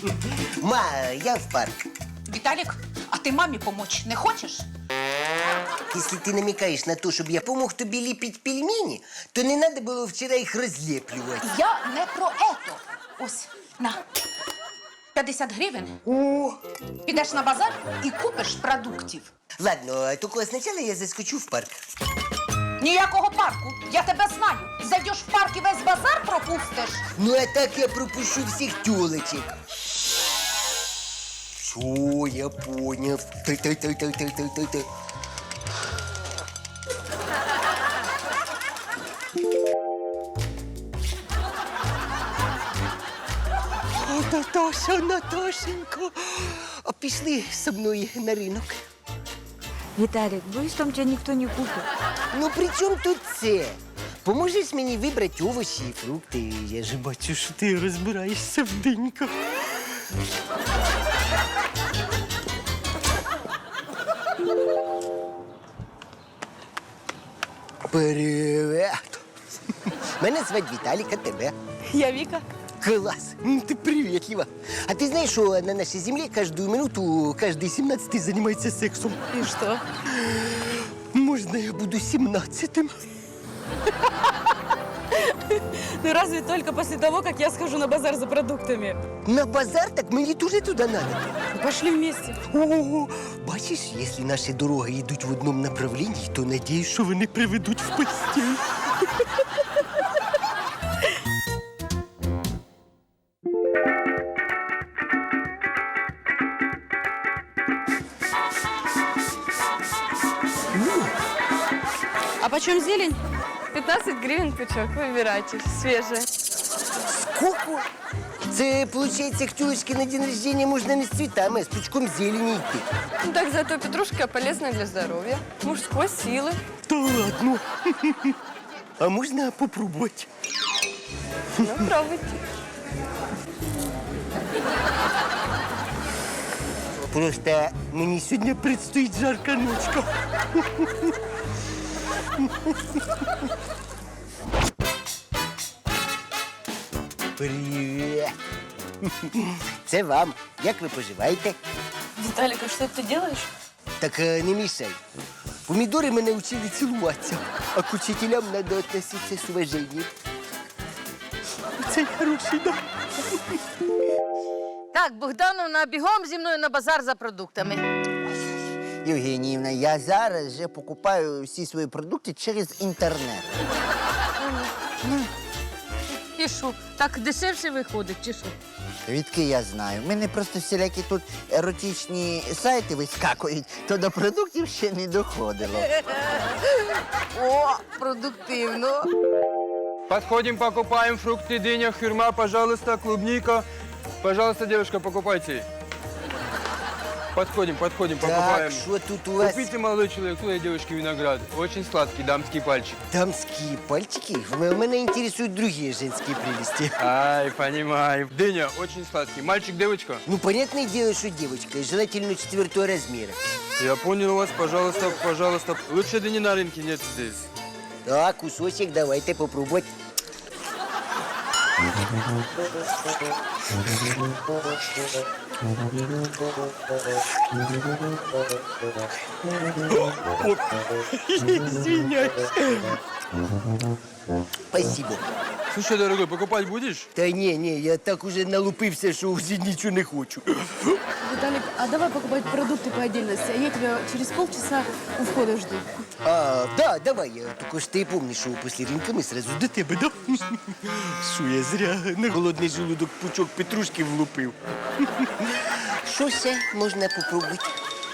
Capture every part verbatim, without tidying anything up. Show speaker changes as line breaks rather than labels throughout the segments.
Ма, я в парк.
Віталік, а ти мамі помочь не хочеш?
Если ты намекаешь на то, чтобы я помог тобі ліпити пельмені, то не надо було вчора їх розліплювати.
Я не про ето. Ось, на. п'ятдесят гривень.
О!
Підеш на базар і купиш продуктів.
Ладно, тільки спочатку я заскочу в парк.
Ніякого парку. Я тебе знаю. Зайдеш в парк і весь базар пропустиш.
Ну, а так я пропущу всіх тёлочек. Все, я понял. Та-та-та-та-та-та-та. О, Наташа, Наташенька, а пішли со мною на ринок.
Виталик, боюсь, там тебя никто не купит.
Ну, при чому тут це? Поможеш мені вибрати овочі і фрукти? Я ж бачу, що ти розбираєшся в диньках. Привет! Мене звати Віталік, а тебе?
Я Вика.
Класс! Ну, ты приветлива. А ты знаешь, что на нашей земле каждую минуту каждый семнадцатый занимается сексом?
И что?
Можно я буду семнадцатым?
Ну разве только после того, как я схожу на базар за продуктами.
На базар? Так мені тоже туда надо.
Ну, пошли вместе.
О, бачиш, если наші дороги йдуть в одному направлении, то надіюсь, що вони приведуть в постіль.
А почем зелень? пятнадцать гривен пучок, выбирайте, свежая.
Сколько? Це, получается, к тёлочке на день рождения можно не с цветами, а с пучком зелени идти.
Ну так зато петрушка полезна для здоровья, мужской силы.
Да ладно. А можно попробовать?
Ну, пробуйте.
Просто мені сьогодні предстоїть жарка ночка. Привіт. Це вам. Як ви поживаєте?
Виталик, а что ты делаешь?
Так е, не мішай. Помідори мене вчили цілуватися, а к учителям треба відноситися з уваженням. Це хороший, да?
Так, Богдановна, бігом зі мною на базар за продуктами.
Євгеніївна, я зараз вже покупаю всі свої продукти через інтернет.
І що, так дешевше виходить, чи що?
Відки я знаю. У мене просто всілякі тут еротичні сайти вискакують, то до продуктів ще не доходило.
О, продуктивно.
Подходим, покупаем фрукты, дыня, хюрма, пожалуйста, клубника. Пожалуйста, девушка, покупайте. Подходим, подходим,
Так,
покупаем.
що тут у вас?
Купите, молодой человек, твоей девушке виноград. Очень сладкий дамский пальчик.
Дамские пальчики? В- Меня интересуют другие женские прелести.
Ай, понимаю. Дыня, очень сладкий. Мальчик, девочка?
Ну, понятное дело, что девочка, и желательно четвертого размера.
Я понял вас, пожалуйста, пожалуйста. Лучше дыни на рынке нет здесь.
Так, кусочек давайте попробовать. Извиняюсь. Спасибо.
Слушай, дорогой, покупать будешь?
Та не, не, я так уже налупився, що вже нічого не хочу.
Виталик, а давай покупать продукты по отдельности, а я тебя через полчаса у входа жду.
А, да, давай, я тільки ж ти помниш, що після ринка ми сразу до тебе, да? Що я зря на голодний желудок пучок петрушки влупив. Що ще можна попробувати?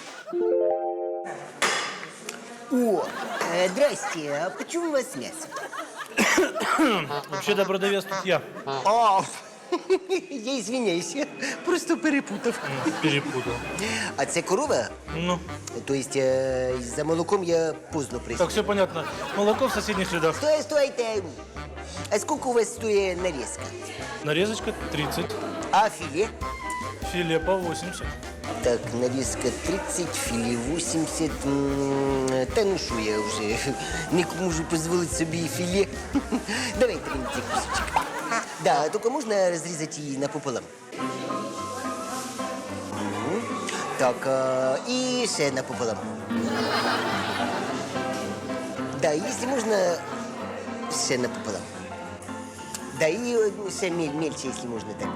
О, е, здрасте, а почему у вас м'ясо?
Вообще-то продавец тут я.
А, я извиняюсь, я просто перепутав.
Перепутал.
А це корова?
Ну,
То есть е, за молоком я поздно прийшов.
так, все понятно. Молоко в соседних рядах.
Стой, стойте. А сколько у вас стоит нарезка?
Нарезочка тридцать.
А филе?
Филе по восемьдесят.
Так, нарезка тридцать, филе восемьдесят. М, Та ну що, я вже не можу дозволити собі і філе. Давайте мені цей кусочек. Да, только можна розрізати її напополам? Так, а, і ще напополам. Да, якщо можна, ще напополам. Да, і е, ще мель, мельче, якщо можна, так.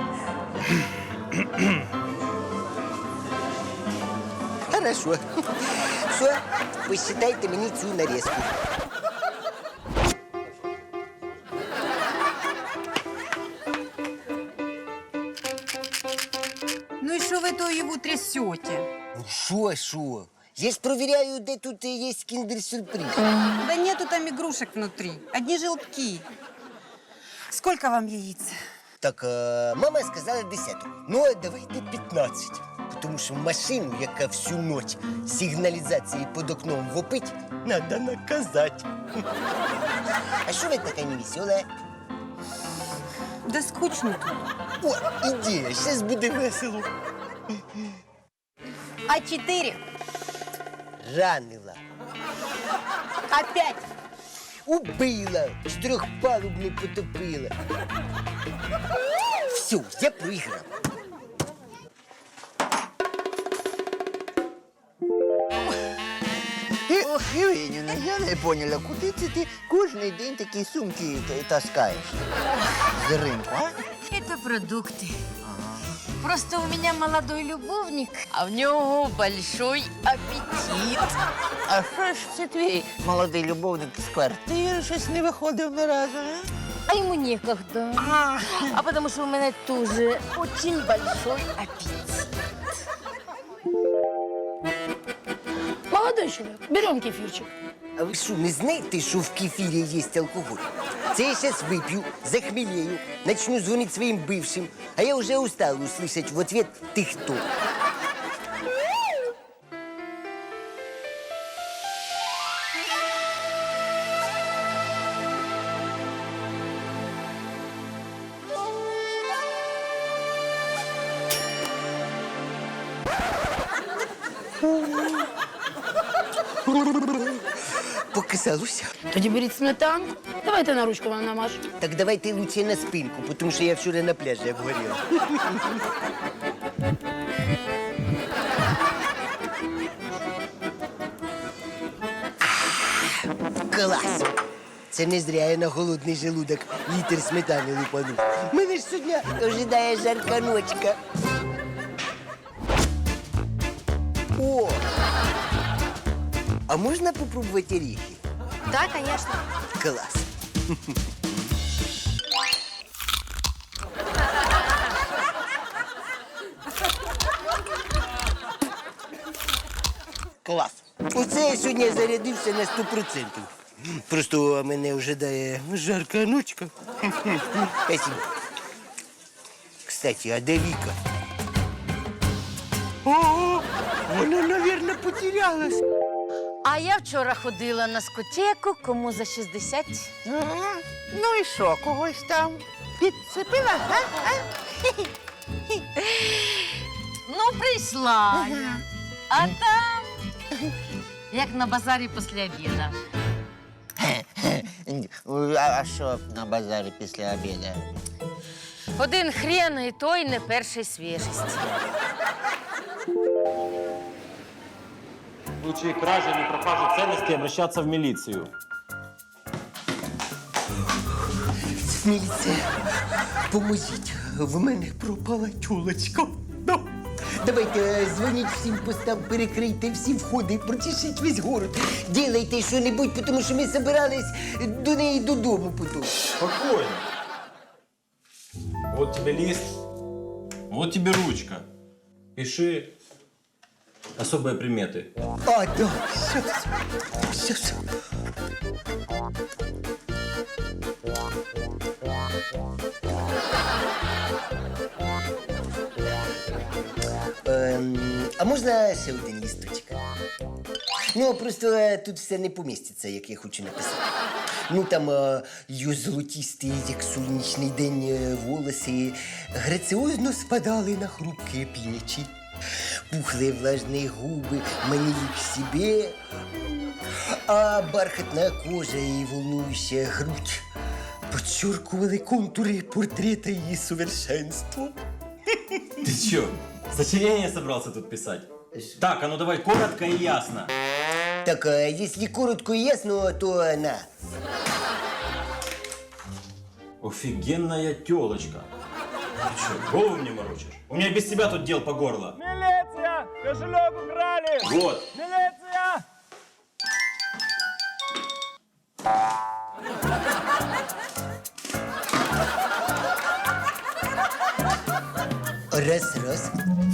Хорошо. Все, посчитайте мені цю нарізку.
Ну и что вы то его трясете?
Ну що, що? Я ж провіряю, де тут є кіндер-сюрприз.
Да нету там игрушек внутри, одни желтки. Сколько вам яиц?
Так, а, мама сказала десяток. Ну, а давайте п'ятнадцять. Тому що машину, яка всю ніч сигналізації під окном вопить, треба наказати. А що ви така невесела?
Да скучно тут.
О, ідея, зараз буде весело.
А четыре?
Ранила.
Опять?
Убила, чотирьохпалубну потопила. Все, я проіграв.
Ох, Євгенівна, я не поняла, куди це ти кожен день такі сумки т- таскаєш? З ринку, а?
Это продукты. Просто у меня молодой любовник, а в него большой аппетит.
А що ж це твій молодий любовник з квартири щось не виходив ні разу, а?
А ему некогда. А потому что у меня тоже очень большой аппетит.
Молодой человек, берем кефирчик.
А ви що, не знаєте, що в кефірі є алкоголь? Це я зараз вип'ю, захмелею, начну дзвонити своїм бившим, а я вже устала услышать в ответ «ти хто?». Показалося.
Тоді беріть сметанку. Давайте на ручку вам намажу.
Так давайте лучше на спинку, тому що я вчора на пляжі обгоріла. Клас! Це не зря я на голодний желудок літр сметани лупанув. Мене ж сьогодні ожидає жарка ночка. О! А можна попробувати оріхи?
Да, конечно.
Клас! Клас! Оце я сьогодні зарядився на сто відсотків. Просто мене ожидає жарка ночка. Спасибо. Кстати, а де Віка? О, вона, мабуть, потерялась.
А я вчора ходила на скотеку, кому за шістдесят.
Ага. Ну і що, когось там підцепила, а? а?
Ну, прийшла я. А там, як на базарі після обіду.
А, а що на базарі після обіду?
Один хрен і той не першої свіжості.
В случае кражи или пропажи ценностей обращаться в милицию.
Міліція, поможіть, в мене пропала тюлочка. Да. Давайте е, дзвоніть всім постам, перекрийте всі входи, прочешіть весь город. Ділайте що-небудь, тому що ми збирались до неї додому потім.
Спокойно. Вот тебе лист, вот тебе ручка. Пиши особые приметы.
А, да, щас, щас. Ем, а можна ще один лісточок? Ну, просто е, тут все не поміститься, як я хочу написати. Ну, там е, її золотісті, як сонячний день, е, волоси граціозно спадали на хрупкі плечі. Пухлые влажные губы манили к себе, а бархатная кожа и волнующая грудь подчеркивали контуры портрета ее совершенства.
Ты чё, Сочинение собрался тут писать? Так, а ну давай коротко и ясно.
Так, а если коротко и ясно, то на.
Офигенная телочка. Ты что, голову мне морочишь? У меня без тебя тут дел по горло.
Милиция! Кошелек украли!
Вот.
Милиция!
Раз, раз.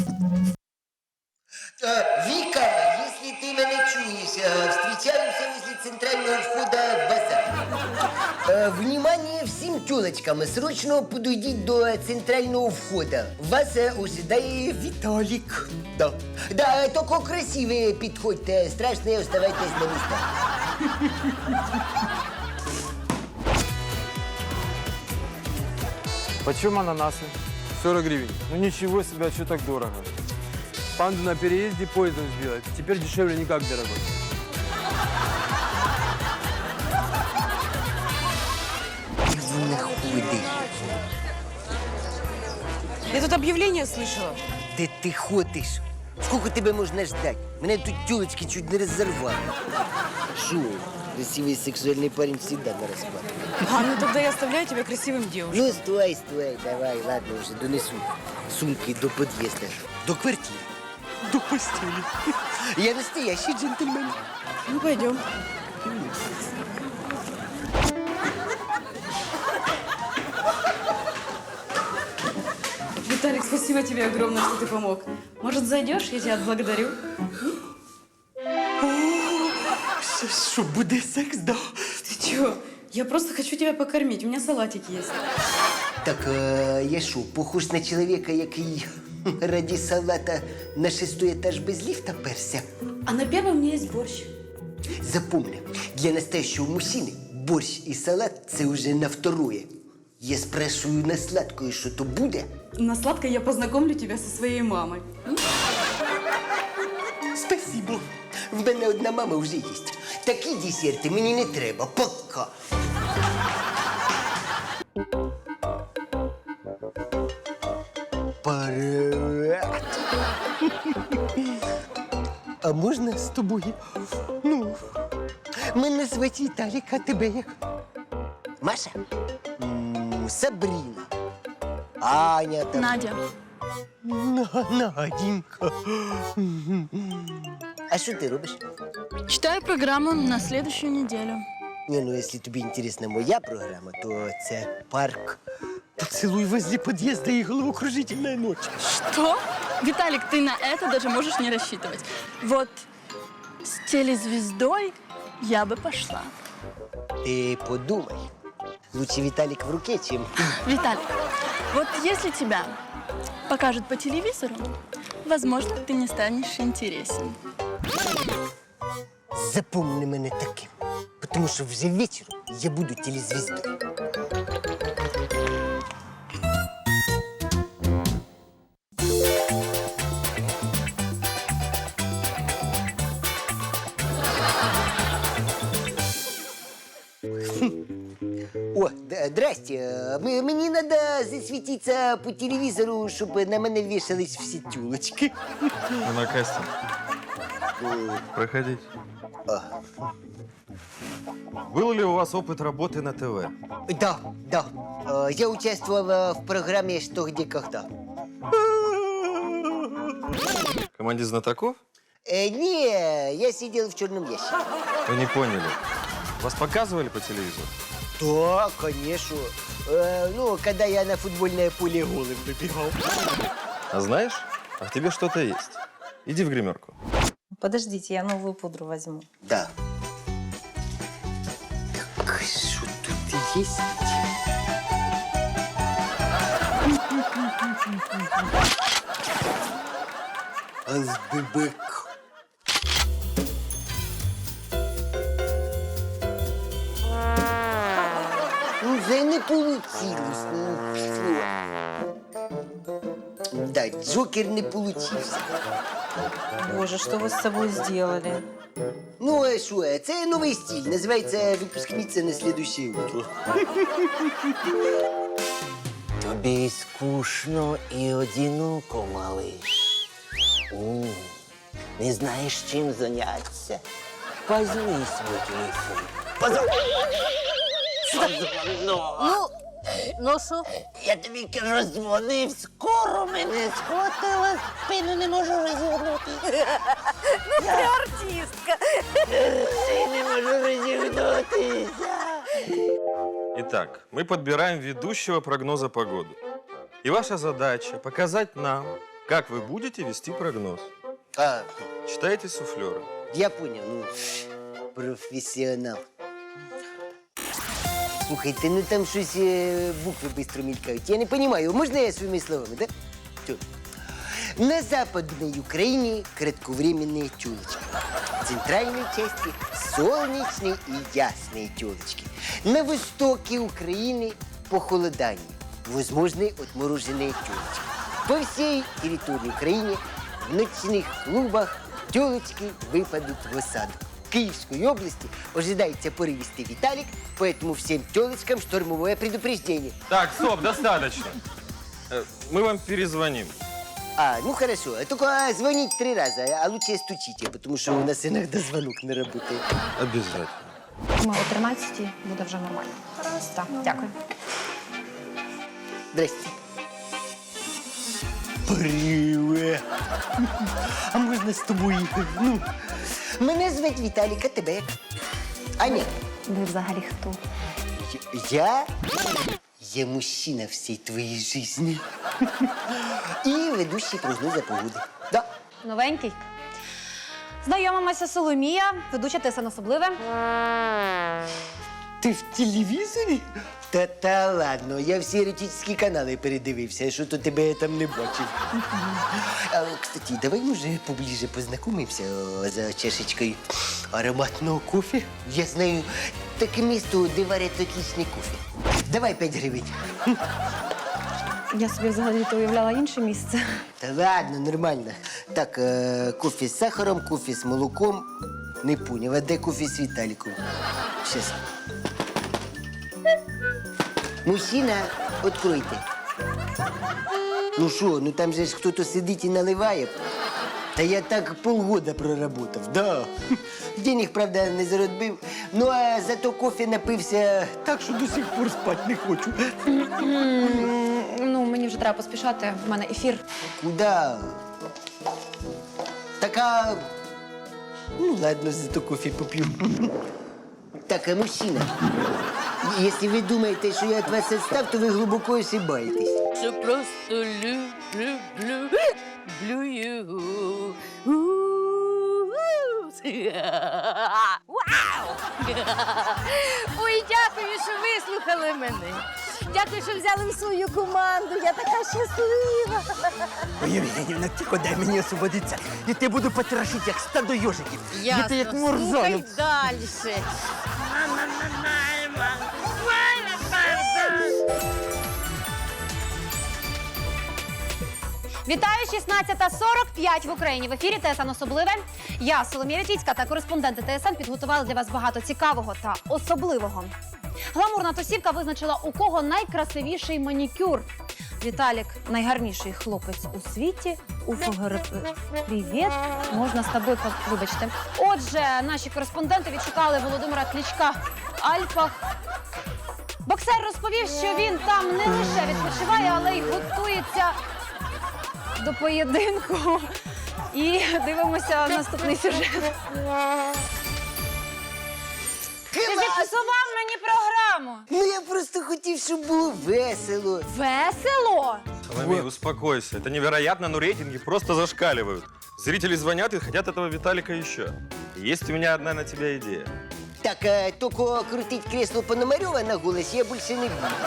А, Вика, если ты меня чуешь, а, встречаемся возле центрального входа в базар. А, Внимание всем тёлочкам, срочно подойдите до центрального входа. Вас а, ожидает Виталик. Да. Да, только красивые подходьте, страшные оставайтесь на местах.
Почем ананасы? сорок гривен. Ну ничего себе, а что так дорого? Панду на переезде поездом сбила. Теперь дешевле никак, дорогой.
Ты находишь.
Я тут объявление слышала.
Де ти ходиш? Сколько тебе можна ждать? Мене тут тёлочки чуть не разорвали. Шо? Красивый сексуальный парень всегда на распад.
А, ну тогда я оставляю тебя красивым девушкой.
Ну, стой, стой, давай, ладно, уже донесу сумки до подъезда. До квартиры. До постели. Я настоящий джентльмен.
Ну, пойдем. Виталик, спасибо тебе огромное, что ты помог. Может, зайдешь? Я тебя отблагодарю.
Что, буде секс, да?
Ты чего? Я просто хочу тебя покормить. У меня салатик есть.
Так, а, я що, похож на чоловіка, який раді салата на шестой етаж без ліфта перся?
А на первом у меня есть борщ.
Запомни, для настоящего мужчины борщ и салат – це уже на второе. Я спрашиваю на сладкое, что то буде?
На сладкое я познакомлю тебя со своей мамой.
Спасибо. В мене одна мама вже є. Такі десерти мені не треба. Пока. Привет. А можна з тобою? Ну, мене звати Віталік, а тебе як? Маша? М, Сабріна. Аня там.
Надя.
На- Наденька. А що ти робиш?
Читаю программу на следующую неделю.
Не, ну якщо тобі інтересна моя програма, то це парк. Поцелуй возле подъезда и головокружительная ночь.
Что? Виталик, ты на это даже можешь не рассчитывать. Вот с телезвездой я бы пошла.
Ты подумай. Лучше Виталик в руке, чем...
Виталик, вот если тебя покажут по телевизору, возможно, ты не станешь интересен.
Запомни мене таким. Потому что вже вечером я буду телезвездой. О, да, здрасте. М- Мені надо засвітитися по телевізору, щоб на мене вішались всі тюлочки.
На кастинг. Проходите. Был ли у вас опыт работы на ТВ?
Да, да. Э, Я участвовал э, в программе «Что, где, когда».
В команде знатоков?
Э, Не, я сидел в черном ящике.
Вы не поняли. Вас показывали по телевизору?
Да, конечно. Э, Ну, когда я на футбольное поле голым выбегал.
А знаешь, а в тебе что-то есть. Иди в гримерку.
Подождите, я новую пудру возьму.
Да. Так, что тут есть? Азбебек. Ну, вже не получилось. Ну, пішло. Да, Джокер не получився.
Боже, что вы с собой сделали?
Ну, а що, це новий стиль. Називається «Випускниця на слідуще утро».
Тобі скучно і одиноко, малиш. О, не знаєш, чим зайнятися? Возьми свій телефон. Позвони.
Ну, ну що?
Я тобі кажу, дзвонив, скоро мене схватила, спину не можу розігнути.
Ну, ти артистка.
Я не можу розігнутися.
Итак, мы подбираем ведущего прогноза погоды. И ваша задача показать нам, как вы будете вести прогноз.
А,
Читайте суфлера.
я понял, ну, професіонал. Слухайте, ну там щось е, букви швидко мількають. Я не розумію, можна я своїми словами, так? Да? На Западной Украине кратковременные тёлочки. В центральной части солнечные и ясные тёлочки. На востоке Украины похолодание. Возможны отмороженные тёлочки. По всей территории Украины в ночных клубах тёлочки выпадут в осаду. В Киевской области ожидается порывистый Виталик, поэтому всем тёлочкам штормовое предупреждение.
Так, стоп, достаточно. Э, Мы вам перезвоним.
А, ну хорошо. Только а, звонить три раза, а лучше стучите, потому что у нас иногда звонок не работает.
Обязательно.
Ми о тринадцятій буде вже нормально. Так, дякую.
Здрасте. Привет. А можна з тобою? Ну, мене звати Віталік, а тебе як? Аня.
Ви взагалі хто?
Я? Я мужчина всей твоей жизни. И ведущий прогноза погоди. Да.
Новенький. Знайомимося, Соломія, ведуча ТСН особливе.
Ти в телевізорі? Та та ладно, я всі еротичні канали передивився, що то тебе я там не бачив. А, кстати, давай, може, поближе познайомимося о, за чашечкою ароматного кофе. Я знаю таке місто, де варять отличний кофе. Давай п'ять гривень.
Я собі взагалі-то уявляла інше місце.
Та ладно, нормально. Так, е, кофе з сахаром, кофе з молоком. Не поняв, а де кофе з Віталіком? Щас. Мужчина, откройте. Ну що, ну там же ж хтось сидить і наливає. Та я так полгода проработав, да. Денег, правда, не заробив. Ну, а зато кофе напився так, що до сих пор спати не хочу.
Ну, мені вже треба поспішати, в мене ефір.
Куда? Так, а... Ну, ладно, зато кофе попью. Так, а мужчина, если вы думаете, что я от вас отстав, то вы глубоко ошибаетесь.
Що просто люблю, люблю, люблю його. Вау! Ой, дякую, що вислухали мене. Дякую, що взяли в свою команду. Я така щаслива.
Ой, Євгенівна, тихо, дай мені освободитися. Я тебе буду потрошити, як стадо йожиків. Я тебе як
Ясно, слухай
мурзою.
далі.
Вітаю, шістнадцята сорок п'ять в Україні. В ефірі ТСН особливе. Я, Соломія Вітвіцька, та кореспонденти ТСН підготували для вас багато цікавого та особливого. Гламурна тусівка визначила, у кого найкрасивіший манікюр. Віталік – найгарніший хлопець у світі. У ФГРП. Привіт. Можна з тобою, по- вибачте. Отже, наші кореспонденти відшукали Володимира Кличка в Альпах. Боксер розповів, що він там не лише відпочиває, але й готується до поєдинку. І дивимося наступний сюжет. Ти зіпсував мені програму.
Ну, я просто хотів, щоб було весело.
Весело?
Соломей, успокойся. Это невероятно, но рейтинги просто зашкаливают. Зрители звонят и хотят этого Виталика еще. Есть у меня одна на тебя идея.
Так, а, только крутить кресло Пономарёва на голос я больше не буду.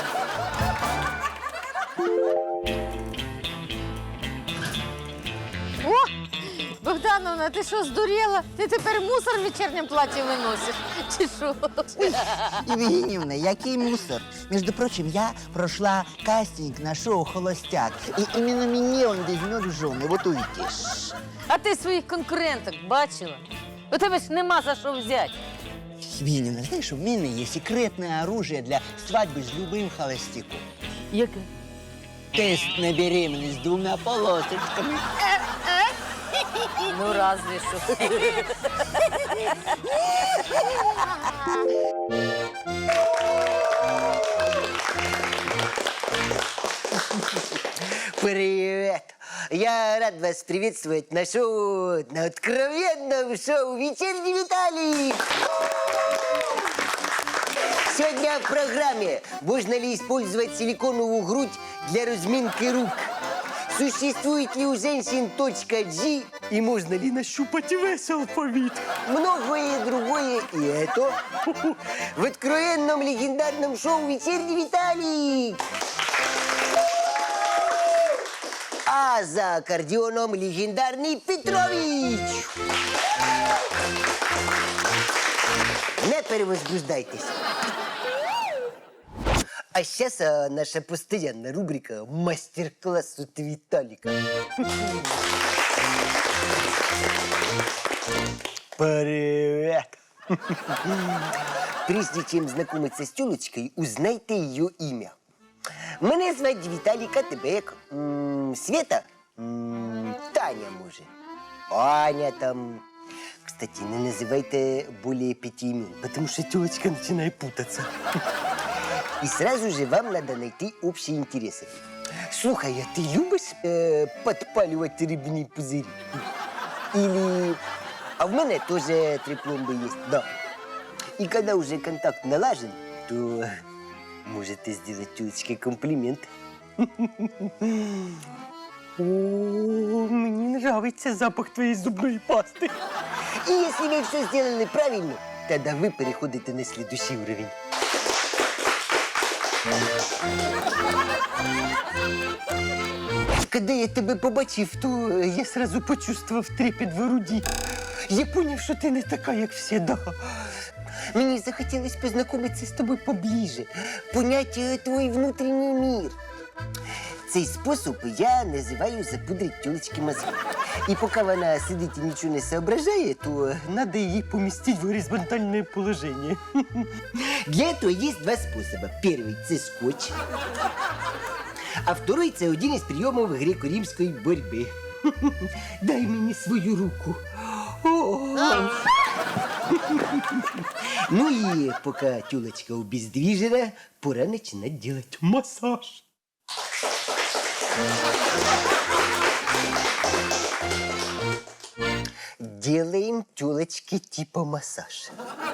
О, Богдановна, ти що, здуріла? Ти тепер мусор в вечірньому платі виносиш? Чи що?
Евгеньевна, який мусор? Между прочим, я прошла кастинг на шоу «Холостяк». И именно меня он возьмет в жены. Вот увидишь.
А ти своїх конкуренток бачила? У тебе ж нема за що взяти.
Евгеньевна, знаешь, у меня есть секретное оружие для свадьбы с любым холостяком.
Яке?
Тест на беременность двумя полосочками.
Ну, разве що.
Привет! Я рад вас приветствовать на шоу, на откровенном шоу «Вечерний Виталик». Сегодня в программе «Можно ли использовать силиконовую грудь для разминки рук?» Существует ли у женщин точка G и можно ли нащупать весь алфавит? Многое другое и это в откровенном легендарном шоу «Вечерний Виталик». А за аккордеоном легендарный Петрович. Не перевозбуждайтесь. А сейчас а, наша постоянная рубрика «Мастер-класс от Виталика». Привет! Прежде чем знакомиться с тёлочкой, узнайте ее имя. Мене звать Віталік, а тебе як? М, Света? М, Таня, може. Аня там. Кстати, не называйте более пяти имен, потому что тёлочка начинает путаться. И сразу же вам надо найти общие интересы. Слухай, а ты любишь э, подпаливать рыбные пузыри? Или... А в мене тоже три пломбы есть, да. И когда уже контакт налажен, то можете сделать тёлочке комплимент. О, мне нравится запах твоей зубной пасты. И если вы все сделали правильно, тогда вы переходите на следующий уровень. Когда я тебе побачив, то я сразу почувствовав трепет в груді. Я поняв, що ти не така, як всі, да. Мені захотілось познайомитися з тобою поближе, понять е, твій внутрішній мир. Цей спосіб я називаю запудрить тёлочки мозги. І поки вона сидить і нічого не соображає, то треба її помістити в горизонтальне положення. Для этого есть два способа. Первый – це скотч, а второй – це один із прийомів греко-римської боротьби. Дай мені свою руку. О! Ну и пока тёлочка обездвижена, пора начинать делать массаж. Делаем тёлочке типа массаж.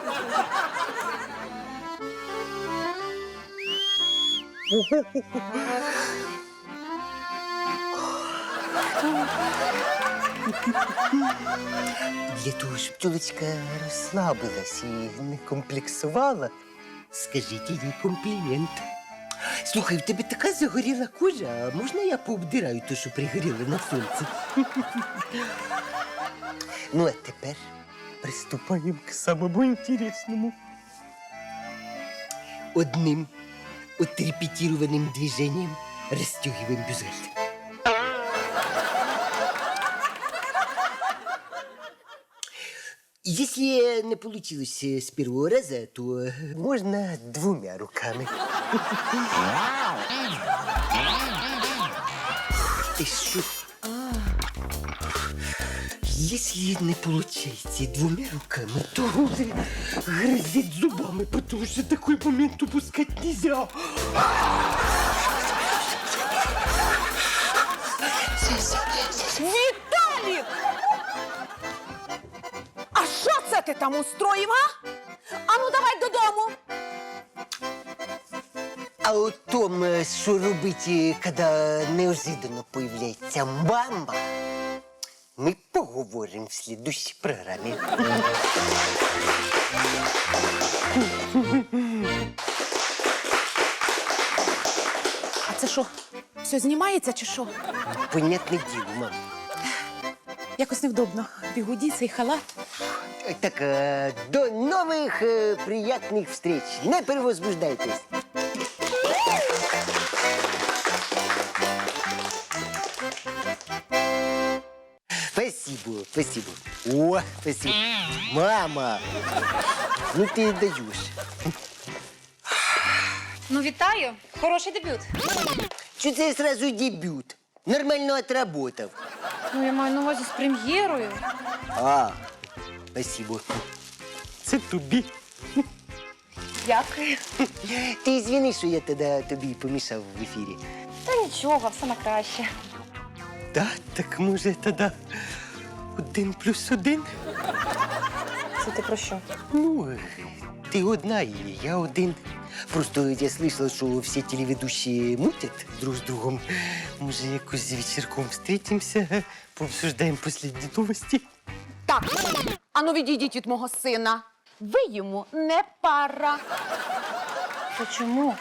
Для того, щоб тёлочка розслабилась і не комплексувала, скажіть їй комплімент. Слухай, в тебе така загоріла кожа, а можна я пообдираю те, що пригоріло на сонці? Ну, а тепер приступаємо к самому інтересному. Одним отрепетированным движением расстегиваем бюстгальтер. Если не получилось с первого раза, то можно двумя руками. Ты что? Если не получается двумя руками, то грызет зубами, потому что такой момент упускать нельзя.
Віталік! А що це ти там устроїв, а? Ану, давай додому.
А о том, що робити, коли неожиданно появляється мама, ми поговоримо в слідущій програмі.
А це що, все знімається чи що?
Понятне діло, мам.
Якось невдобно. Бігуді, цей халат.
Так, э, до новых э, приятных встреч. Не перевозбуждайтесь. Спасибо, спасибо. О, спасибо. Мама, ну ты даешь.
Ну, вітаю. Хороший дебют.
Что это сразу дебют? Нормально отработал.
Ну, я маю на увазі з прем'єрою.
А, спасибо. Це тобі.
Дякую.
Ти звіни, що я тоді тобі помішав в ефірі.
Та нічого, все на краще.
Да, так може тоді один плюс один?
Це ти про що?
Ну, ти одна і я один. Просто я слышала, що всі телеведущие мутять друг з другом. Може, якось вечірком встретимся, пообсуждаємо последні новості.
Так, ану відійдіть від мого сина. Ви йому не пара.
То чому?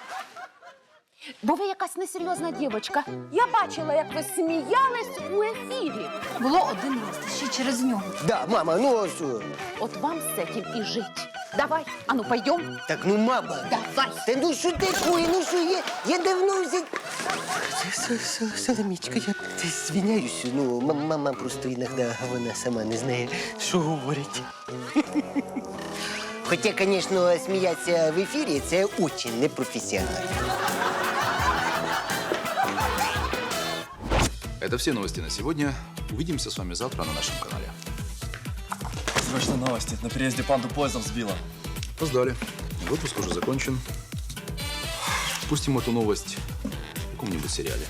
Бо ви якась несерйозна дівчинка. Я бачила, як ви сміялись у ефірі.
Було один раз, ще через нього.
Да, мама, ну а що?
От вам з цим і жить. Давай, ану, пойдем.
Так, ну мама.
Давай.
Та ну що такое, ну що я, я давно вже... Соломічка, я звиняюсь, ну м- мама просто іноді вона сама не знає, що говорить. Хоча, звісно, сміятися в ефірі – це дуже непрофесіонально.
Это все новости на сегодня. Увидимся с вами завтра на нашем канале.
Срочно новости. На переезде панду поездом сбила.
Опоздали. Выпуск уже закончен. Пустим эту новость в каком-нибудь сериале.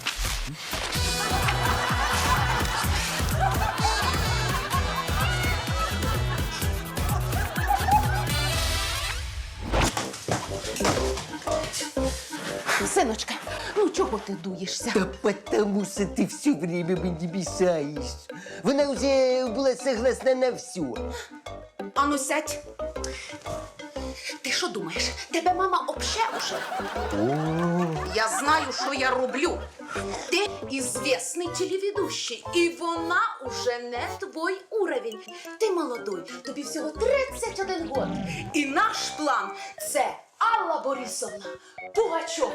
Синочка, ну чого ти дуєшся?
Та потому що ти все время мені мішаєш. Вона вже була согласна на все.
Ану, сядь. Ти що думаєш? Тебе мама обще уже? Я знаю, що я роблю. Ти известний телеведущий, і вона уже не твій уровень. Ти молодой, тобі всього тридцять один год. І наш план – це Алла Борисовна Пугачова.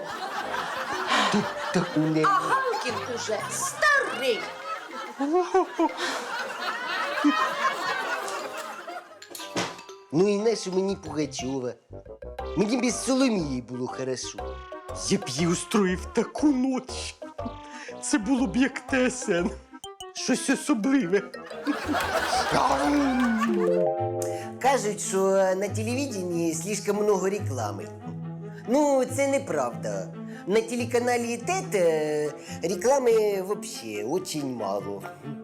А Галкін уже старий.
Ну і нащо мені Пугачова? Мені без Соломії було хорошо. Я б їй устроїв таку ніч. Це було б як ТСН. Щось особливе. Кажуть, що на телевидении слишком много реклами. Ну, це неправда. На телеканалі ТЕТ реклами вообще очень мало.